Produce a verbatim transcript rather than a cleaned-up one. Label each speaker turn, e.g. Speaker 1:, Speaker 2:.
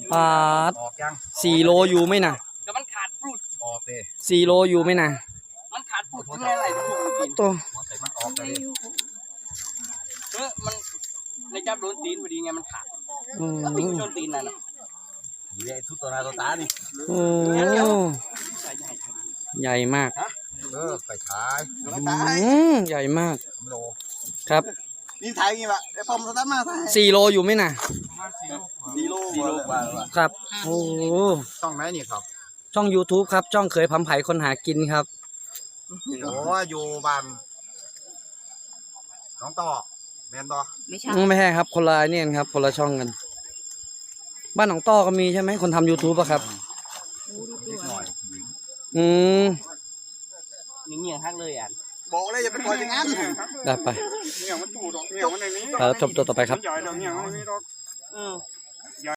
Speaker 1: ปาด
Speaker 2: ออกยัง
Speaker 1: สี่โลอยู่ไหมนะ
Speaker 3: แต่มันขาดปลุด
Speaker 2: ออกเลย
Speaker 1: สี่โลอยู่ไหมนะ
Speaker 3: มันขาดปลุดทั้งอะไรทุกคน
Speaker 1: ตัว
Speaker 2: หัวใส่มันออกเลย
Speaker 3: เออมันในจับโดนตีนพอดีไงมันขาด
Speaker 1: อืม
Speaker 3: ตีนชนตีนนั่นน่ะ
Speaker 2: นี่แหละทุกตัวนาตัวตานี่
Speaker 1: โอ้ใหญ่มาก
Speaker 2: เออไปขาย
Speaker 1: อืมใหญ่มาก
Speaker 2: สามโล
Speaker 1: ครับ
Speaker 4: นี่ถ่ายงี้ปะไอ้ปอมสตาร์ทมาถ่าย
Speaker 1: สี่โลอยู่ไหมนะ
Speaker 4: สี่โล
Speaker 2: สี่โลกว่าแล้ว
Speaker 1: ครับโอ้
Speaker 2: ต้องไหนนี่ครับ
Speaker 1: ช่อง YouTube ครับช่องเคยพำไผ่คนหากินครับ
Speaker 2: โอ้อยู่บ้านน้องต่อแมนบอ
Speaker 5: ไม่ใช่
Speaker 1: ไม่ใช่ครับคนละเนี่ยครับคนละช่องกัน บ้านหนองต้อก็มีใช่ไหมคนทำ YouTube อะครับ
Speaker 2: นิดหน่อย
Speaker 1: อืม
Speaker 3: นี่เงี้ยฮักเลยอ่ะ
Speaker 4: บอกเลยอย่าไปปล่อยอย่างนั้น
Speaker 1: ได้ไป
Speaker 6: เนี่ยมันตูดออกเนี่ยมันในนี้
Speaker 1: แล้วชมตัวต่อไปครับ
Speaker 6: ใหญ่ดอกเนี่ยมันในนี้ดอก
Speaker 3: เออ